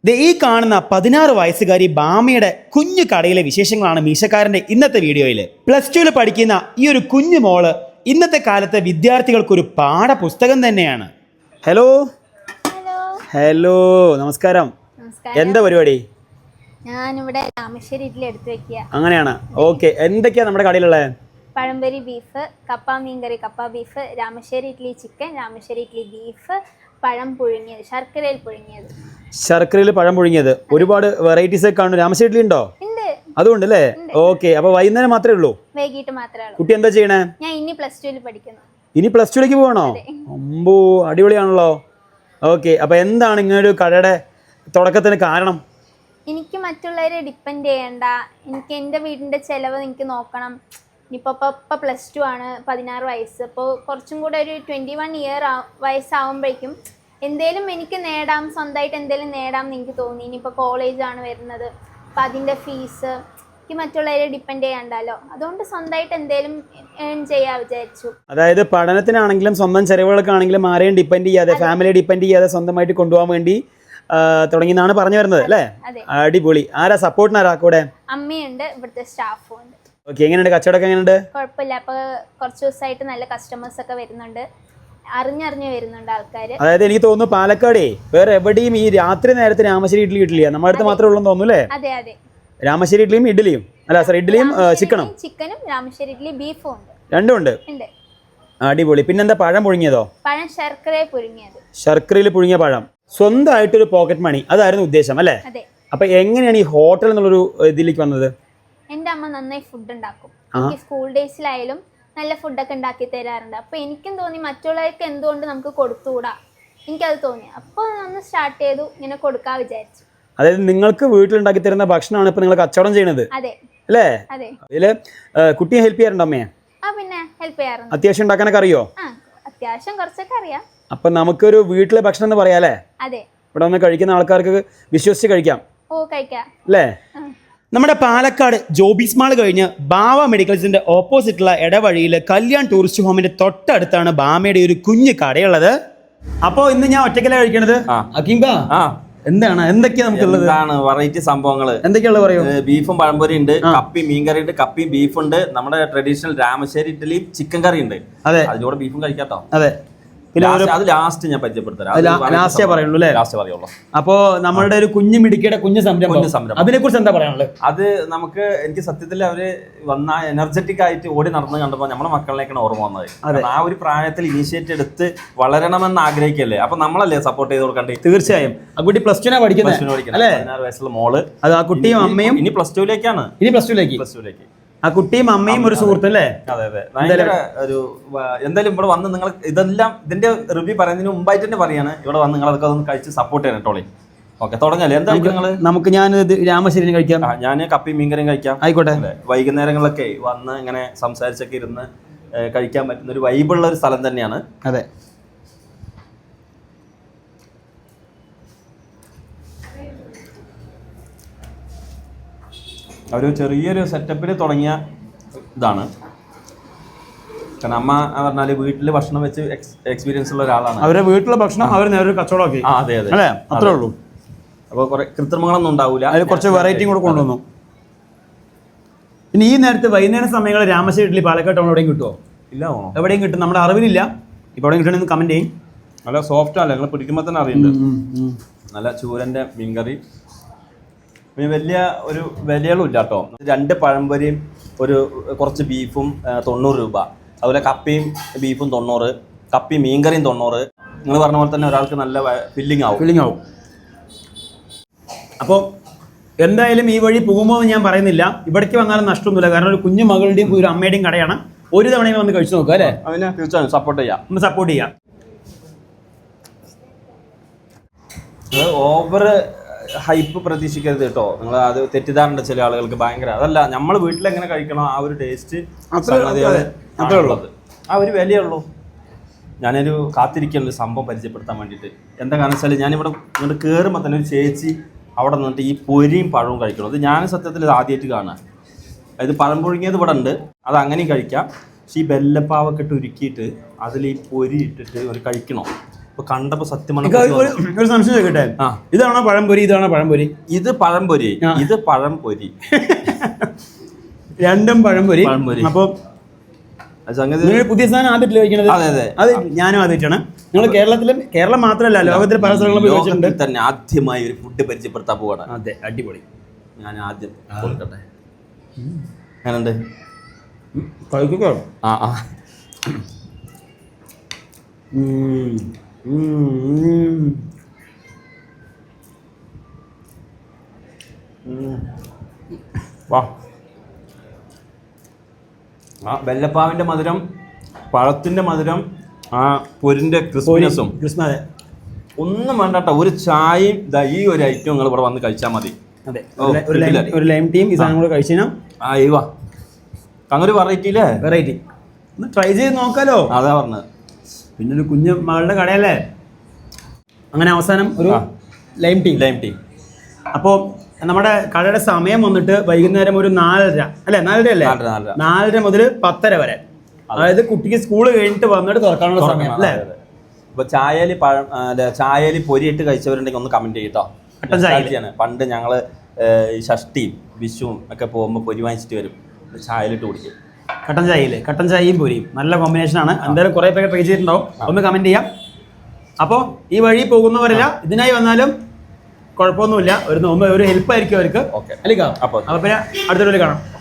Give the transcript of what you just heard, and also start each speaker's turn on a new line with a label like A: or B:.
A: ഈ കാണുന്ന 16 വയസ്സുകാരി ബാമയുടെ കുഞ്ഞു കടയിലെ വിശേഷങ്ങളാണ് മീശക്കാരൻ്റെ ഇന്നത്തെ വീഡിയോയിൽ. +2 പഠിക്കുന്ന ഈ ഒരു കുഞ്ഞു മോള് ഇന്നത്തെ കാലത്തെ വിദ്യാർത്ഥികൾക്കൊരു പാഠപുസ്തകം തന്നെയാണ്. ഹലോ ഹലോ നമസ്കാരം. എന്താ പരിപാടി?
B: ഞാനിവിടെ രാമശ്ശേരി ഇഡ്ഡലി എടുത്തു വെക്കുക.
A: അങ്ങനെയാണ്. ഓക്കെ, എന്തൊക്കെയാ നമ്മുടെ കടയിലുള്ളത്?
B: പഴംപൊരി ബീഫ്, കപ്പ മീൻകറി, കപ്പ beef, Ramassery idli chicken, Ramassery idli beef, പഴം പുഴുങ്ങിയത്, ശർക്കരയിൽ പുഴുങ്ങിയത്.
A: ശർക്കരയിൽ പഴം പുഴുങ്ങിയത്. ഒരുപാട് വെറൈറ്റീസ് ഒക്കെ കാണും. രാമശ്ശേരി ഇഡ്ഡലി ഉണ്ടോ? അതുകൊണ്ട് അല്ലേ? ഓക്കെ, അപ്പൊ വൈകുന്നേരം മാത്രമേ ഉള്ളൂ?
B: വൈകിട്ട് മാത്രമേ ഉള്ളൂ.
A: കുട്ടി എന്താ ചെയ്യണേ?
B: ഞാൻ ഇനി +2 പഠിക്കുന്നു.
A: ഇനി +2ലേക്ക് പോകണോ? അമ്പോ, അടിപൊളിയാണല്ലോ. ഓക്കെ, അപ്പൊ എന്താണ് ഇങ്ങനൊരു കടയുടെ തുടക്കത്തിന് കാരണം?
B: എനിക്ക് മറ്റുള്ളവരെ ഡിപ്പെൻഡ് ചെയ്യണ്ട, എനിക്ക് എൻ്റെ വീടിൻ്റെ ചിലവ് എനിക്ക് നോക്കണം. ഇപ്പോൾ +2 ആണ്, 16 വയസ്സ്. അപ്പോൾ കുറച്ചും കൂടെ ഒരു 21 വയസ്സാവുമ്പോഴേക്കും എന്തേലും എനിക്ക് നേടാം, സ്വന്തമായിട്ട് എന്തേലും നേടാം എന്ന് എനിക്ക് തോന്നി. ഇനിയിപ്പോൾ കോളേജാണ് വരുന്നത്, അപ്പം അതിൻ്റെ ഫീസ് എനിക്ക് മറ്റുള്ളവരെ ഡിപ്പെൻഡ് ചെയ്യണ്ടല്ലോ. അതുകൊണ്ട് സ്വന്തമായിട്ട് എന്തേലും ഏൺ ചെയ്യാൻ വിചാരിച്ചു.
A: അതായത് പഠനത്തിനാണെങ്കിലും സ്വന്തം ചെലവുകൾക്കാണെങ്കിലും ആരെയും ഡിപ്പെൻഡ് ചെയ്യാതെ, ഫാമിലിയെ ഡിപ്പെൻഡ് ചെയ്യാതെ സ്വന്തമായിട്ട് കൊണ്ടുപോകാൻ വേണ്ടി തുടങ്ങിയെന്നാണ് പറഞ്ഞു വരുന്നത് അല്ലേ? അടിപൊളി. ആരാ സപ്പോർട്ടിനാരാ കൂടെ?
B: അമ്മയുണ്ട്, ഇവിടുത്തെ സ്റ്റാഫും ഉണ്ട്.
A: ഓക്കെ, എങ്ങനെയുണ്ട് കച്ചവടമൊക്കെ? എങ്ങനെയുണ്ട്?
B: കുഴപ്പമില്ല. അപ്പോൾ കുറച്ച് ദിവസമായിട്ട് നല്ല കസ്റ്റമേഴ്സ് ഒക്കെ വരുന്നുണ്ട്, അറിഞ്ഞറിഞ്ഞ് വരുന്നുണ്ട് ആൾക്കാർ.
A: അതായത് എനിക്ക് തോന്നുന്നു പാലക്കാടേ വേറെ എവിടെയും ഈ രാത്രി നേരത്തെ രാമശ്ശേരി ഇഡ്ഡലി കിട്ടില്ല, നമ്മുടെ അടുത്ത് മാത്രമേ ഉള്ളൂ തോന്നുന്നു അല്ലേ?
B: അതെ അതെ,
A: രാമശ്ശേരി ഇഡ്ഡലിയും ഇഡ്ഡലിയും അല്ല സർ, ഇഡ്ഡലിയും ചിക്കനും
B: രാമശ്ശേരി ഇഡ്ഡലി ബീഫും ഉണ്ട്.
A: രണ്ടും ഉണ്ട്. അടിപൊളി. പിന്നെന്താ പഴം പുഴുങ്ങിയതോ?
B: പഴം ശർക്കരയിൽ പുഴുങ്ങിയത്.
A: ശർക്കരയിൽ പുഴുങ്ങിയ പഴം. സ്വന്തമായിട്ടൊരു പോക്കറ്റ് മണി, അതായിരുന്നു ഉദ്ദേശം അല്ലേ? അപ്പൊ എങ്ങനെയാണ് ഈ ഹോട്ടൽ എന്നുള്ളൊരു ഇതിലേക്ക് വന്നത്?
B: എൻ്റെ അമ്മ നന്നായി ഫുഡ് ഉണ്ടാക്കും. എനിക്ക് സ്കൂൾ ഡേയ്സിലായാലും നല്ല ഫുഡൊക്കെ ഉണ്ടാക്കി തരാറുണ്ട്. അപ്പോൾ എനിക്കും തോന്നി മറ്റുള്ളവർക്ക് എന്തുകൊണ്ട് നമുക്ക് കൊടുത്തുകൂടാ, എനിക്കത് തോന്നി. അപ്പോൾ ഒന്ന് സ്റ്റാർട്ട് ചെയ്തു, ഇങ്ങനെ കൊടുക്കാൻ വിചാരിച്ചു.
A: അതായത് നിങ്ങൾക്ക് വീട്ടിലുണ്ടാക്കി തരുന്ന ഭക്ഷണമാണ് ഇപ്പൊ നിങ്ങൾ കച്ചവടം ചെയ്യണത് അല്ലേ? ഇതില് കുട്ടിയെ ഹെൽപ്പ് ചെയ്യാറുണ്ടോ അമ്മയെ?
B: പിന്നെ ഹെൽപ്പ് ചെയ്യാറുണ്ട്.
A: അത്യാവശ്യം ഉണ്ടാക്കാനൊക്കെ അറിയോ?
B: അത്യാവശ്യം കുറച്ചൊക്കെ അറിയാം.
A: അപ്പൊ നമുക്കൊരു വീട്ടിലെ ഭക്ഷണം എന്ന് പറയാല്ലേ?
B: അതെ,
A: ഇവിടെ വന്ന് കഴിക്കുന്ന ആൾക്കാർക്ക് വിശ്വസിച്ച് കഴിക്കാം.
B: കഴിക്കാം
A: അല്ലേ? നമ്മുടെ പാലക്കാട് ജോബീസ് മാൾ കഴിഞ്ഞ് ബാവ മെഡിക്കൽസിന്റെ ഓപ്പോസിറ്റുള്ള ഇടവഴിയിൽ കല്യാൺ ടൂറിസ്റ്റ് ഹോമിന്റെ തൊട്ടടുത്താണ് ബാമയുടെ ഒരു കുഞ്ഞു കടയുള്ളത്. അപ്പോ ഇന്ന് ഞാൻ ഒറ്റയ്ക്കല്ല കഴിക്കണത്. എന്തൊക്കെയാ നമുക്കുള്ളത്?
C: വെറൈറ്റി സംഭവങ്ങൾ
A: എന്തൊക്കെയുള്ളത് പറയൂ.
C: ബീഫും പഴംപൊരി ഉണ്ട്, കപ്പി മീൻകറി ഉണ്ട്, കപ്പിയും ബീഫുണ്ട്, നമ്മുടെ ട്രഡീഷണൽ രാമശ്ശേരി ഇഡ്ഡലിയും ചിക്കൻ കറി ഉണ്ട്.
A: അതെ,
C: അതിലൂടെ ബീഫും കഴിക്കാട്ടോ.
A: അതെ,
C: അത് ലാസ്റ്റ് ഞാൻ പരിചയപ്പെടുത്തരാം.
A: അപ്പോ നമ്മളുടെ ഒരു കുഞ്ഞു മിടുക്കിയുടെ കുഞ്ഞു സംരംഭം, അതിനെ കുറിച്ച് എന്താ പറയാനുള്ളത്?
C: അത് എനിക്ക് സത്യത്തിൽ അവര് വന്ന എനർജറ്റിക് ആയിട്ട് ഓടി നടന്ന് കണ്ടപ്പോൾ നമ്മുടെ മക്കളിലേക്കാണ് ഓർമ്മ വന്നത്. ആ ഒരു പ്രായത്തിൽ ഇനീഷ്യേറ്റ് എടുത്ത് വളരണമെന്ന് ആഗ്രഹിക്കല്ലേ, അപ്പൊ നമ്മളല്ലേ സപ്പോർട്ട് ചെയ്ത് കൊടുക്കണ്ടേ?
A: തീർച്ചയായും. ആ കുട്ടി +2 പഠിക്കുന്നത്,
C: 16 വയസ്സുള്ള മോള്.
A: അത് ആ കുട്ടിയും അമ്മയും
C: ഇനി +2ലേക്കാണ്.
A: +2ലേക്ക് ആ കുട്ടിയും അമ്മയും ഒരു സുഹൃത്തല്ലേ?
C: അതെ അതെ. ഭയങ്കര ഒരു എന്തായാലും ഇവിടെ വന്ന് നിങ്ങൾ ഇതെല്ലാം ഇതിന്റെ റിവ്യൂ പറയുന്നതിന് മുമ്പായിട്ട് തന്നെ പറയാണ്, ഇവിടെ വന്ന് നിങ്ങൾ അതൊക്കെ ഒന്ന് കഴിച്ച് സപ്പോർട്ട് ചെയ്യണം കേട്ടോളെ. ഓക്കെ, തുടങ്ങല്ലേ? എന്താ
A: നമുക്ക് ഞാൻ രാമശ്ശേരി കഴിക്കാം.
C: ഞാൻ കപ്പി മീൻകറിയും കഴിക്കാം.
A: ആയിക്കോട്ടെ.
C: വൈകുന്നേരങ്ങളിലൊക്കെ വന്ന് ഇങ്ങനെ സംസാരിച്ചൊക്കെ ഇരുന്ന് കഴിക്കാൻ പറ്റുന്ന ഒരു വൈബുള്ള ഒരു സ്ഥലം തന്നെയാണ്.
A: അതെ.
C: ഒരു ചെറിയൊരു സെറ്റപ്പിൽ തുടങ്ങിയ ഇതാണ്. കാരണം അമ്മ പറഞ്ഞാല് വീട്ടില് ഭക്ഷണം വെച്ച് എക്സ്പീരിയൻസ് ഉള്ള ഒരാളാണ്.
A: അവരുടെ വീട്ടിലെ ഭക്ഷണം അവർ നേരെ കച്ചവടമാക്കി.
C: അതെ അതെ,
A: അത്രേ ഉള്ളൂ.
C: അപ്പോൾ കുറെ കൃത്രിമങ്ങളൊന്നും ഉണ്ടാവില്ല,
A: അതിൽ കുറച്ച് വെറൈറ്റിയും കൂടെ കൊണ്ടുവന്നു. പിന്നെ ഈ നേരത്തെ വൈകുന്നേര സമയങ്ങളിൽ രാമശ്ശേരി ഇഡ്ഡലി പാലക്കാട് ടൗൺ എവിടെയും കിട്ടുമോ?
C: ഇല്ല,
A: എവിടെയും കിട്ടും, നമ്മുടെ അറിവിലില്ല. ഇപ്പോൾ എവിടെയും കിട്ടണമെന്ന് കമന്റ് ചെയ്യും.
C: നല്ല സോഫ്റ്റ് അല്ല, നിങ്ങൾ പിടിക്കുമ്പോൾ തന്നെ അറിയുന്നുണ്ട്. നല്ല ചൂരന്റെ മീൻകറി. പിന്നെ വലിയ ഒരു വിലകളും ഇല്ല കേട്ടോ. 2 പഴംപൊരിയും കുറച്ച് ബീഫും 90 രൂപ. അതുപോലെ കപ്പിയും ബീഫും 90, കപ്പി മീൻകറിയും 90. നിങ്ങൾ പറഞ്ഞ പോലെ തന്നെ ഒരാൾക്ക് നല്ല ഫില്ലിംഗ് ആവും.
A: അപ്പോൾ എന്തായാലും ഈ വഴി പോകുമ്പോൾ ഞാൻ പറയുന്നില്ല, ഇവിടേക്ക് വന്നാലും നഷ്ടമൊന്നുമില്ല. കാരണം ഒരു കുഞ്ഞു മകളുടെയും ഒരു അമ്മയുടെയും കടയാണ്. ഒരു തവണയും വന്ന് കഴിച്ചു നോക്കുക അല്ലേ?
C: അതിനെ തീർച്ചയായും സപ്പോർട്ട് ചെയ്യാം. ഓവർ ഹൈപ്പ് പ്രതീക്ഷിക്കരുത് കേട്ടോ. നിങ്ങൾ അത് തെറ്റിദ്ധാരണ ചില ആളുകൾക്ക് ഭയങ്കര. അതല്ല, നമ്മൾ വീട്ടിലെങ്ങനെ കഴിക്കണം ആ ഒരു ടേസ്റ്റ് അത്രേ ഉള്ളത്, ആ ഒരു വിലയുള്ളൂ. ഞാനൊരു കാത്തിരിക്കുന്ന സംഭവം പരിചയപ്പെടുത്താൻ വേണ്ടിയിട്ട്. എന്താ കാരണം വെച്ചാൽ ഞാനിവിടെ ഇങ്ങോട്ട് കയറുമ്പോൾ തന്നെ ഒരു ചേച്ചി അവിടെ നിന്നിട്ട് ഈ പൊരിയും പഴവും കഴിക്കണം. അത് ഞാൻ സത്യത്തിൽ ഇത് ആദ്യമായിട്ട് കാണാൻ. അതായത് പഴം പുഴുങ്ങിയത് ഇവിടെ ഉണ്ട്, അത് അങ്ങനെയും കഴിക്കാം. പക്ഷേ ഈ ബെല്ലപ്പാവൊക്കെ ഇട്ട് ഉരുക്കിയിട്ട് അതിൽ ഈ പൊരി ഇട്ടിട്ട് ഒരു കഴിക്കണോ, ഇപ്പൊ കണ്ടപ്പോ സത്യം
A: എനിക്ക് ഒരു സംശയം ചോദിക്കട്ടെ,
C: ആ.
A: ഇതാണോ പഴംപൊരി, ഇതാണോ പഴംപൊരി?
C: ഇത് പഴംപൊരി, ഇത് പഴംപൊരി.
A: രണ്ടും പഴംപൊരി. അപ്പൊ
C: സംഗതി
A: നിങ്ങൾ പുതിയ സാധനം ആദ്യമായിട്ട് കഴിക്കണത്?
C: അതെ അതെ,
A: അത് ഞാനും ആദ്യമായിട്ടാണ്. നിങ്ങൾ കേരളം മാത്രമല്ല, ലോകത്തിൽ പല സ്ഥലങ്ങളും പോയി കഴിച്ചിട്ടുണ്ട്.
C: തന്നെ ആദ്യമായി ഒരു ഫുഡ് പരിചയപ്പെടുത്താൻ പോവാണ്.
A: അതെ, അടിപൊളി.
C: ഞാൻ ആദ്യം കൊടുക്കട്ടെ. എങ്ങനെയുണ്ട്?
A: കഴിക്കോ?
C: ആ ആ വാ. ആ വെല്ലപ്പാവിന്റെ മധുരം, പഴത്തിന്റെ മധുരം, ആ പൊരിന്റെ ക്രിസ്പിനെസ്സും ഒന്നും വേണ്ട കേട്ടോ. ഒരു ചായയും ഈ ഒരു ഐറ്റം നിങ്ങൾ ഇവിടെ വന്ന് കഴിച്ചാൽ മതി.
A: അതെ, ഒരു ലൈം ടീം ഈ സാധനം കൂടെ കഴിച്ചു കഴിഞ്ഞാൽ
C: ആ വാ. അങ്ങനെ വെറൈറ്റിയില്ലേ?
A: വെറൈറ്റി ഒന്ന് ട്രൈ ചെയ്ത് നോക്കാലോ.
C: അതാ പറഞ്ഞത്.
A: പിന്നെ ഒരു കുഞ്ഞു മകളുടെ കടയല്ലേ. അങ്ങനെ അവസാനം ഒരു ലൈം ടീ. അപ്പോൾ നമ്മുടെ കടയുടെ സമയം വന്നിട്ട് വൈകുന്നേരം ഒരു 4:30 അല്ലേ? 4:30 അല്ലേ? 4:30 മുതൽ 10:30 വരെ. അതായത് കുട്ടിക്ക് സ്കൂൾ കഴിഞ്ഞിട്ട് വന്നിട്ട് തുറക്കാനുള്ള സമയം അല്ലേ?
C: ഇപ്പൊ ചായയിൽ പൊരിയിട്ട് കഴിച്ചവരുണ്ടെങ്കിൽ ഒന്ന് കമന്റ് ചെയ്യട്ടോ. പണ്ട് ഞങ്ങള് ഷഷ്ടിയും വിഷുവും ഒക്കെ പോകുമ്പോൾ പൊരി വാങ്ങിച്ചിട്ട് വരും, ചായയിലിട്ട് കുടിക്കും.
A: കട്ടൻ ചായയും പൊരിയും നല്ല കോമ്പിനേഷനാണ്. എന്തായാലും കുറേ പേര് ട്രൈ ചെയ്തിട്ടുണ്ടാവും, ഒന്ന് കമന്റ് ചെയ്യാം. അപ്പോൾ ഈ വഴി പോകുന്നവരല്ല ഇതിനായി വന്നാലും കുഴപ്പമൊന്നുമില്ല, ഒരു ഹെൽപ്പ് ആയിരിക്കും അവർക്ക്.
C: ഓക്കെ,
A: അല്ലേ? അപ്പോൾ പിന്നെ അടുത്ത വീഡിയോയിൽ കാണാം.